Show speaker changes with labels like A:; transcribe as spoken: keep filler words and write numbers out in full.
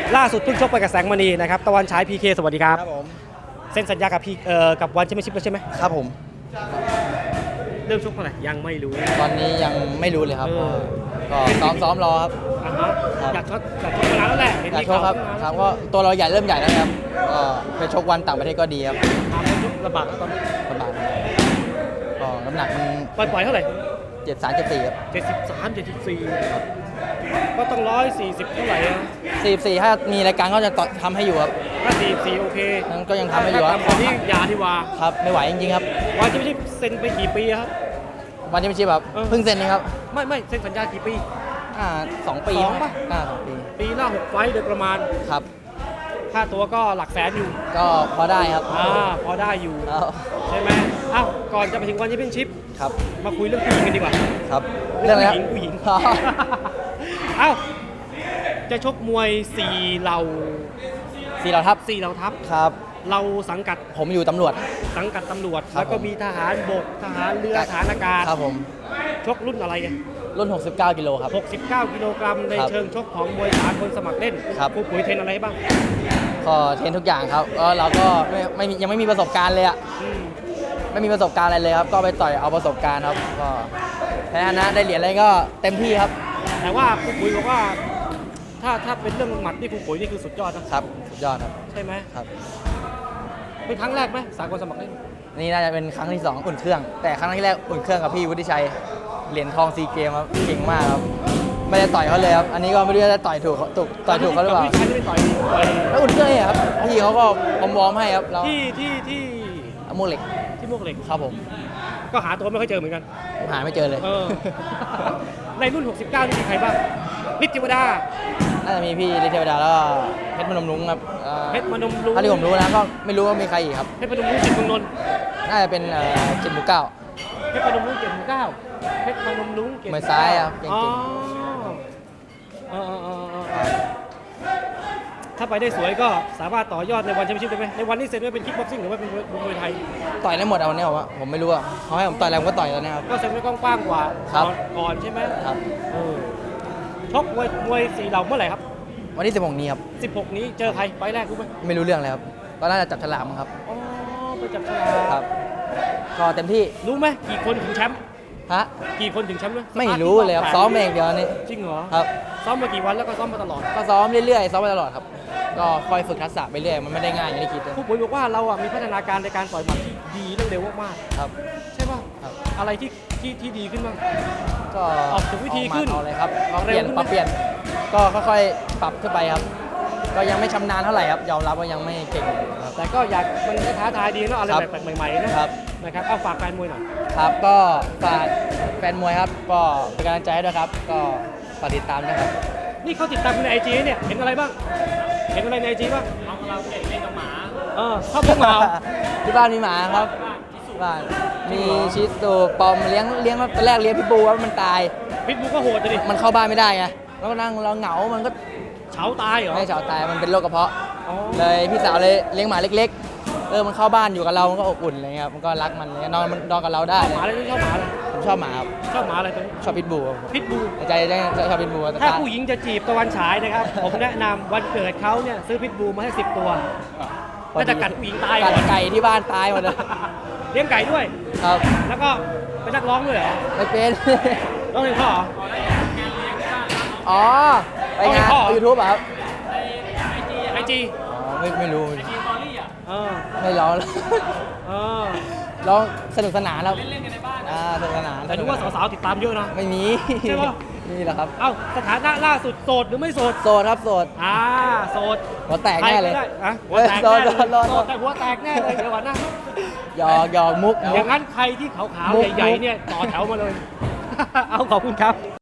A: ล่าสุดเพิ่งชกไปกับแสงมณีนะครับตะวันฉาย พี เค สวัสดีครับ
B: ครับผม
A: เซ็นสัญญากับพีเอ่อกับวันแชมเปี้ยนชิพแล้วใช่ไหม
B: ครับผม
A: เริ่มชกเมื่อไหร่ยังไม่รู้
B: ตอนนี้ยังไม่รู้เลยครับ
A: เออ
B: ก็ซ้อมซ้อมรอครับ
A: อ่าฮะ
B: ครับ
A: อยากชกอยากชกมานานแล้วแหละเห็น
B: อยาก
A: มี
B: ชกครับ
A: ข่าว
B: ครับก็ตัวเราใหญ่เริ่มใหญ่แล้วครับก็ไปชกวันต่างประเทศก็ดีครับ
A: ทำให้ชกลำบากแล้วตอนนี้
B: ลำบากก็น้ำหนักมัน
A: ปล่อยปล่อยเท่าไหร่
B: เจ็ดสามเจ็ดสี่ครับ
A: เจ็ดสิบสามเจ็ดสิบสี่ก็ต้องร้อยสี่สิบเท่าไหร่อะ
B: สี่สี่ถ้ามีรายการก็จะต่อทำให้อยู่ครับ
A: ถ้าสี่สี่โอเค
B: นั้นก็ยังทำให้อยู่ค
A: ถ้า
B: รับ
A: ต่ำกว่านี้อย่าดีกว่า
B: ครับไม่ไหวจริงๆครับ
A: วันแชมเปี้ยนชิพเซ็นไปกี่ปีครับ
B: วันที่ไม่ชิบครับ
A: เออ
B: เพิ่งเซ็นเองครับ
A: ไม่ไม่เซ็นสัญญากี่ปี
B: อ่าสองปี
A: สองปะ
B: อ่าสองปี
A: ปีละหกไฟต์โดยประมาณ
B: ครับ
A: ค่าตัวก็หลักแสนอยู่
B: ก็พอได้ครับ
A: อ่าพอได้อยู่
B: แล้ว
A: ใช่ไหมเอ้าก่อนจะไปถึงวันแชมเปี้ยนชิพ
B: ครับ
A: มาคุยเรื่องผู้หญิงกันดีกว่า
B: ครับ
A: เรื่อง
B: อะไรค
A: ผู้
B: รับ
A: หญิงผู้หญิง
B: อ๋อ
A: เอ้าจะชกมวยสี่เหล่า
B: สี่เราทับ
A: สี่เหล่าทัพ
B: ครับ
A: เราสังกัด
B: ผมอยู่ตำรวจ
A: สังกัดตำรวจ
B: ครับ
A: แล้วก็
B: ผม
A: มีทหารบกทหารเรือ
B: ครับ
A: ทหารอากาศ
B: ครับผม
A: ชกรุ่นอะไรกัน
B: รุ่น หกสิบเก้า กิโลครับ
A: หกสิบเก้ากิโลกรัมใน
B: ครับ
A: เชิงชกของมวยสากลสมัครเล่น
B: ครับ
A: ครูปุ๋ยเทรนอะไรให้บ้าง
B: ก็เทรนทุกอย่างครับก็เราก็ไม่ไม่มียังไม่มีประสบการณ์เลยอะ
A: อืม
B: ไม่มีประสบการณ์อะไรเลยครับ ก็ไปต่อยเอาประสบการณ์ครับ ก็แพ้ชนะได้เหรียญอะไรก็เต็มที่ครับ
A: แต่ว่าครูปุ๋ยบอกว่า ถ้าถ้าเป็นเรื่องหมัดนี่ครูปุ๋ยนี่คือสุดยอดนะครับ
B: สุดยอดครับ
A: ใช่ไหม
B: ครับ
A: เป็นครั้งแรกไหมสากลสมัครเล่น
B: นี่น่าจะเป็นครั้งที่สองอุ่นเครื่อง แต่ครั้งที่แรกอุ่นเครื่องกับพี่วุฒิชัย เหรียญทองซีเกมครับ เก่งมากครับ ไม่ได้ต่อยเขาเลยครับ อันนี้ก็ไม่รู้ว่าจะต่อยถูกเขาถูกต่อยถูกเขาหรือเปล่า
A: พี่ชายไม่ได้ต่อยต่อย
B: แล้วอุ่นเครื่องเนี่ยครับ พี่เขาก็วอร์มๆให้ครับเรา
A: ที่ที่ที่
B: เอาโมวกเหล็ก
A: ที่มวกเหล็ก
B: ครับผม
A: ก็หาตัวไม่ค่อยเจอเหมือนกัน
B: หาไม่เจอเลย
A: เอ อ ในรุ่น หกสิบเก้า นี่มีใครบ้างนิติวดา
B: น่าจะมีพี่ฤทธิ์เทวดาแล้วก็เพชรพนมรุ้งครับอ่อ
A: เพชรมนมรุ้ง
B: เท่าที่ผมรู้นะก็ไม่รู้ว่ามีใครอีกครับ
A: เพชรพนมรุ้งจิตรเมืองนนท์
B: น่าจะเป็นเอ่อจิตหมูเก้า
A: เพชรพนมรุ้งเกียรติหมู่เก้าเพชรพนมรุ้งเกียรติห
B: มือซ้ายครับเก่งๆ
A: อ๋อเออเออเออเออถ้าไปได้สวยก็สามารถต่อยอดในวันแชมเปี้ยนชิพได้ไหมในวันนี้เซ็นไว้เป็นคิกบ็อกซิ่งหรือว่าเป็นมวยไทย
B: ต่อยได้หมดเอาเนี่ยผมว่าผมไม่รู้อะเขาให้ผมต่อยอะไรผมก็ต่อยแล้วนะครับ
A: ก็เซ็นไว้กว้างๆกว่า
B: ครับ
A: ก่อนก่อนใช่ไหม
B: ครับ
A: เออชกมวยมวยสี่เหล่าเมื่อไหร่ครับ
B: วันที่สิบหกนี้ครับ
A: สิบหกนี้เจอใครไฟล์แรกรู้ไหม
B: ไม่รู้เรื่องเลยครับก็น่าจะจับฉลากมั้งครับ
A: อ๋อไปจับฉลาก
B: ครับ ก็เต็มที่
A: รู้ไหมกี่คนถึงแชมป์
B: ฮะ
A: กี่คนถึงแชมป์ด้วย
B: ไม่รู้เลยครับซ้อมเองเดียวนี่
A: จริงเหรอ
B: ครับ
A: ซ้อมมากี่วันแล้วก็ซ้อมมาตลอด
B: ก็ซ้อมเรื่อยๆซ้อมไปตลอดครับก็คอยฝึกทักษะไปเรื่อยมันไม่ได้ง่ายอย่างที่คิดเลย
A: ครูปุ๋ยบอกว่าเราอ่ะมีพัฒนาการในการต่อยหมัดที่ดีและเร็วมาก
B: ครับ
A: ๆใช่ป่ะ
B: ครับ
A: อะไรที่ที่ที่ดีขึ้นบ้าง
B: ก็
A: ออกถึงวิธีขึ้น
B: เอาเลยครับก็เป
A: เร็ว
B: ลี่ยน
A: ขึ้นไหม
B: ปรับเปลี่ยนก็ค่อยๆปรับขึ้นไปครับ ก็ยังไม่ชำนาญเท่าไหร่ครับยอมรับว่ายังไม่เก่งครับ
A: แต่ก็อยากมันก็ท้าทายดีเนอะอะไร
B: ครับ
A: แปลกๆใหม่ๆนะครับ นะครับเอาฝากแฟนมวยหน่อย
B: ครับก็ฝากแฟนมวยครับก็เป็นกำลังใจให้ด้วยครับ ก็ฝากติดตามด้วยครับ
A: นี่เขาติดตามคุณในไอจีเนี่ยเห็นอะไรบ้าง เห็นอะไรในไอจีบ้างน้องเราเก่งเล่นกับหมาเออชอบเลี้ยงหมา
B: ที่บ้านมีหมาครับบ้านมีชิสุปอมเลี้ยงเลี้ยงตอนแรกเลี้ยงพิทบูว่ามันตาย
A: พิทบูก็โหดเลยดิ
B: มันเข้าบ้านไม่ได้ไงแล้วก็นั่งเราเหงา มันก็
A: เฉาตายเหรอ
B: ไม่เฉาตายมันเป็นโรคกระเพาะ
A: อ๋อ
B: เลยพี่สาวเลยเลี้ยงหมาเล็กๆเออมันเข้าบ้านอยู่กับเรา มันก็อบอุ่นอะไรเงี้ยครับมันก็รักมันเลยนอนมันนอนกับเราได้
A: หมาอะไรที่ชอบหมาอะไร
B: ผมชอบหมาครับ
A: ชอบหมาอะไรตัวนี้
B: ชอบพิทบูครับ
A: พิทบู
B: ในใจได้ชอบพิทบูแต่
A: ถ้า
B: ตา
A: ผู้หญิงจะจีบตะวันฉายนะครับ ผมแนะนำวันเกิดเขาเนี่ยซื้อพิทบูมาให้สิบตัวน่าจะกัดผู้หญิงตาย
B: กัดไก่ที่บ้านตายหมดเลย
A: เลี้ยงไก่ด้วย
B: ครับ
A: แล้วก็เป็นนักร้องด้วยเหรอ
B: ไม่เป็น
A: ร้องเพลงพ่อเหรอ
B: อ๋อไปงาน
A: เอาไปพ่อ
B: ยูทูบครับ
A: ไอจี
B: อ๋อไม่ไม่รู้
A: เออ
B: ไม่ร้อง
A: เออ
B: ร้องสนุกสนานครับเล่นกันในบ้านอ่าสนุกสนาน
A: แต่ดูว่าสาวๆติดตามเยอะนะ
B: ไม่มี
A: ใช่ปะ
B: นี่แหละครับ
A: เอ้าสถานะล่าสุดโสดหรือไม่โสด
B: โสดครับโสด
A: อ่าโสด
B: หัวแตกแน่เลย
A: ใครก็ได้อะหัวแตก
B: โส
A: แน่
B: ด
A: เลย
B: โสดโสด
A: โสดแต่หัวแตกแน่เลยเดี๋ยวก่อนนะ
B: หยอกหยอกมุก
A: อ
B: มุ
A: ย่าก งนั้นใครที่ขาว
B: มุก
A: ๆใหญ่ๆเนี่ยต่อแถวมาเลย เอาขอบคุณครับ